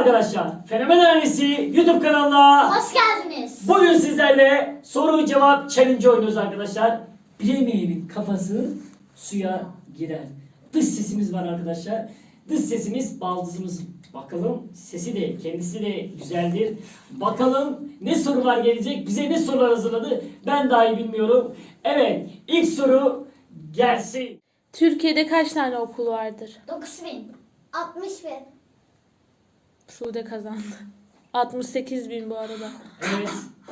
arkadaşlar, Fenomen Ailesi YouTube kanalına Hoş geldiniz. bugün sizlerle soru cevap challenge oynuyoruz arkadaşlar. Bilemeyenin kafası suya girer. Dış sesimiz var arkadaşlar. Dış sesimiz baldızımız. Bakalım sesi de kendisi de güzeldir. Bakalım ne sorular gelecek, bize ne sorular hazırladı ben dahi bilmiyorum. Evet, ilk soru gelsin. Türkiye'de kaç tane okul vardır? 9.000. 60.000. Sude kazandı. 68.000 bu arada. Evet.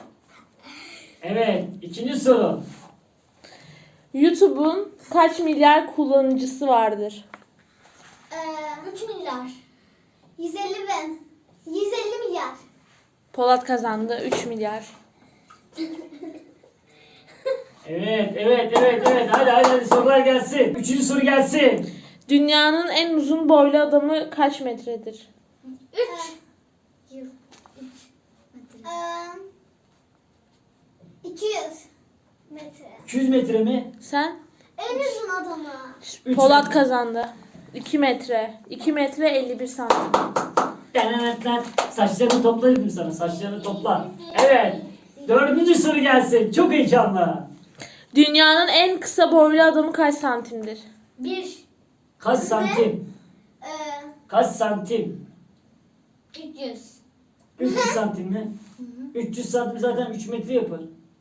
Evet, ikinci soru. YouTube'un kaç milyar kullanıcısı vardır? 3 milyar. 150.000. 150 milyar. Polat kazandı. 3 milyar. Evet. Hadi sorular gelsin. Üçüncü soru gelsin. Dünyanın en uzun boylu adamı kaç metredir? 3. 200 metre. 200 metre mi? Sen? En uzun adamı. 3 Polat metre. kazandı. 2 metre. 2 metre 51 santim. Lan. Saçlarını topla dedim sana. Saçlarını topla. Evet. Dördüncü soru gelsin. Çok heyecanlı. Dünyanın en kısa boylu adamı kaç santimdir? 1. Kaç santim? Kaç santim? 300. 300 santim mi? 300 santim zaten 3 metre yapar.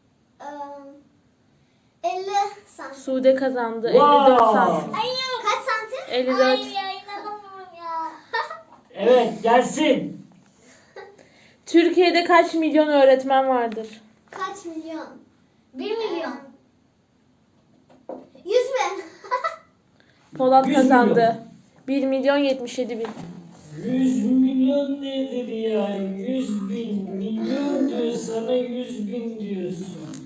50 santim. Sude kazandı. Wow. 54 santim. Kaç santim? 54. Ay ya inanamıyorum ya. Evet gelsin. Türkiye'de kaç milyon öğretmen vardır? Kaç milyon? 1 milyon. 100.000. Polat 100 kazandı. 1 milyon 77 bin. 100 milyon nedir ya? 100 bin milyon diyor sana 100 bin diyorsun.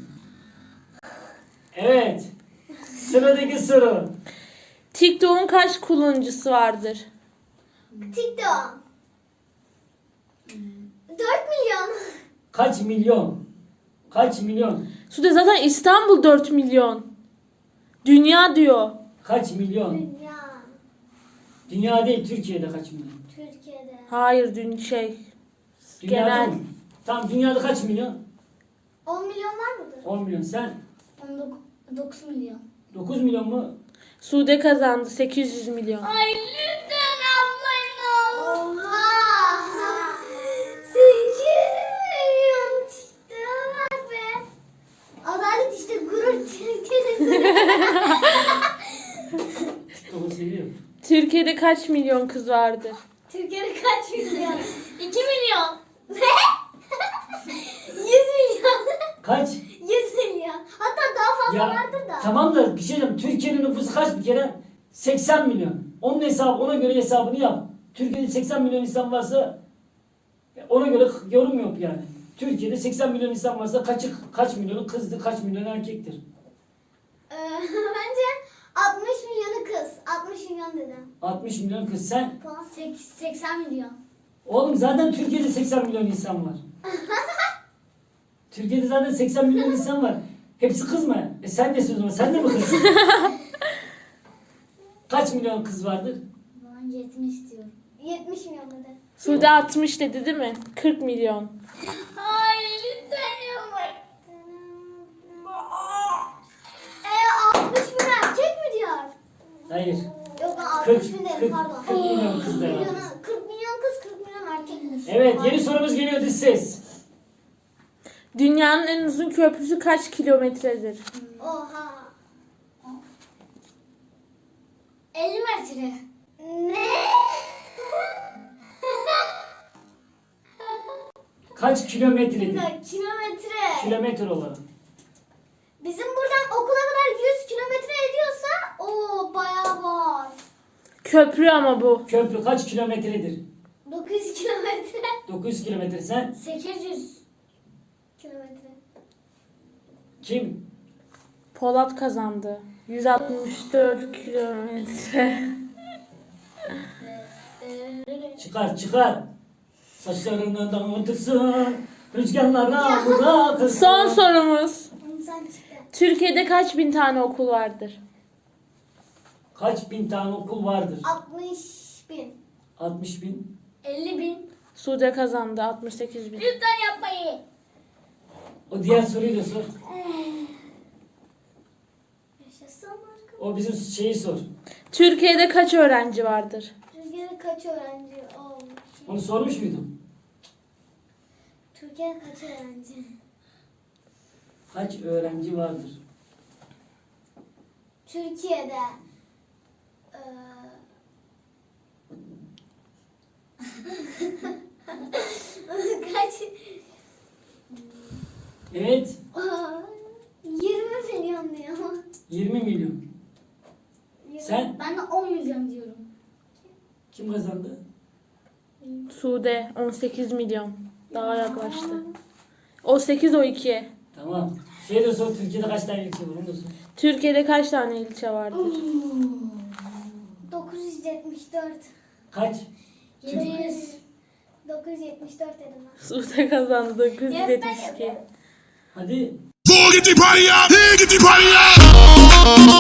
Evet. Sıradaki soru. TikTok'un kaç kullanıcısı vardır? TikTok. 4 milyon. Kaç milyon? Kaç milyon? Sude zaten İstanbul 4 milyon. Dünya diyor. Kaç milyon? Dünya. Dünya değil, Türkiye'de kaç milyon? Türkiye'de. Hayır Dünyada genel. mı? Tamam, dünyada kaç milyon? 10 milyon var mıdır? 10 milyon. Sen 9 milyon. 9 milyon mu? Sude kazandı 800 milyon. Ay lütfen ablayın. Oha. 8 milyon çıktı bak be. Adalet işte gurur çıktı. Onu seviyorum. Türkiye'de kaç milyon kız vardır? Türkiye'de kaç milyon? 2 milyon. Ne? 100 milyon. Kaç? 100 milyon. Hatta daha fazla vardır da. Tamam da bir şey diyeyim. Türkiye'nin nüfusu kaç bir kere? 80 milyon. Onun hesabı, ona göre hesabını yap. Türkiye'de 80 milyon insan varsa ona göre yorum yok yani. Türkiye'de 80 milyon insan varsa kaç milyonu kızdı, kaç milyonu erkektir? Bence 60 milyonu kız. 60 milyon dedim. 60 milyon kız. Sen? 80 milyon. Oğlum zaten Türkiye'de 80 milyon insan var. Türkiye'de zaten 80 milyon insan var. Hepsi kız mı? Sen de sözüm, sen de mi kızsın? Kaç milyon kız vardır? Ben 70 diyorum. 70 milyon dedi. Sude 60 dedi değil mi? 40 milyon. Ay lütfen yapma. 60 bin erkek mi diyor? Hayır. Yok ben 40, 60 bin dedim 40, pardon. 40 milyon kız da var. 40 milyon kız 40 milyon erkekmiş. Evet, yeni sorumuz geliyor, dış ses. Dünyanın en uzun köprüsü kaç kilometredir? Oha. 50 metre. Ne? Kaç Bir kilometredir? dakika, kilometre. Kilometre olarak. Bizim buradan okula kadar 100 kilometre ediyorsa o bayağı var. Köprü ama bu. Köprü kaç kilometredir? 900 kilometre. 900 kilometre. Sen 800 kilometre. kim? Polat kazandı. 164 kilometre. Çıkar. Saçlarından damlatırsın. Rüzgarlara bırakırsın. Son sorumuz. Sen çıktı. Türkiye'de kaç bin tane okul vardır? Kaç bin tane okul vardır? 60 bin. 60 bin. 50 bin. Sude kazandı 68 bin. Lütfen yapmayın. O diğer soruyu da sor. Yaşasın arkadaşlar. O bizim şeyi sor. Türkiye'de kaç öğrenci vardır? Türkiye'de kaç öğrenci olmuş? Onu sormuş muydum? Türkiye'de kaç öğrenci? Kaç öğrenci vardır? Türkiye'de kaç? Evet. 20 milyon diyor. 20 milyon. Sen? Ben de 10 milyon diyorum. Kim kazandı? Sude 18 milyon. Daha yaklaştı. O 8 o 2. Tamam. Şey de sor. Türkiye'de kaç tane ilçe var? Onu da sor. Türkiye'de kaç tane ilçe vardır? 974. Kaç? 700. 974 dedim ben. Sude kazandı 972. Hadi. Go get the party up! Hey, get the party up!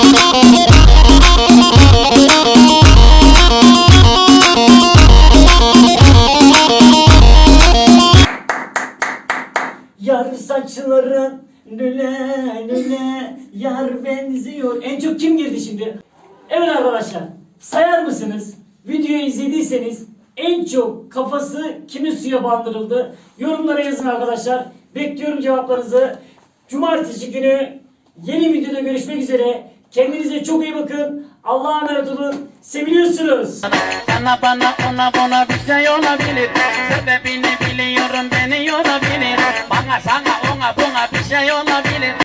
Yar saçların lüle lüle yar benziyor. En çok kim girdi şimdi? Evet arkadaşlar. Sayar mısınız? Videoyu izlediyseniz en çok kafası kimin suya bandırıldı? Yorumlara yazın arkadaşlar. Bekliyorum cevaplarınızı. Cumartesi günü yeni videoda görüşmek üzere. Kendinize çok iyi bakın. Allah'a emanet olun. Seviliyorsunuz. Sana bana ona buna bir şey olabilir. Sebebini biliyorum beni yorabilir. Bana sana ona buna bir şey olabilir.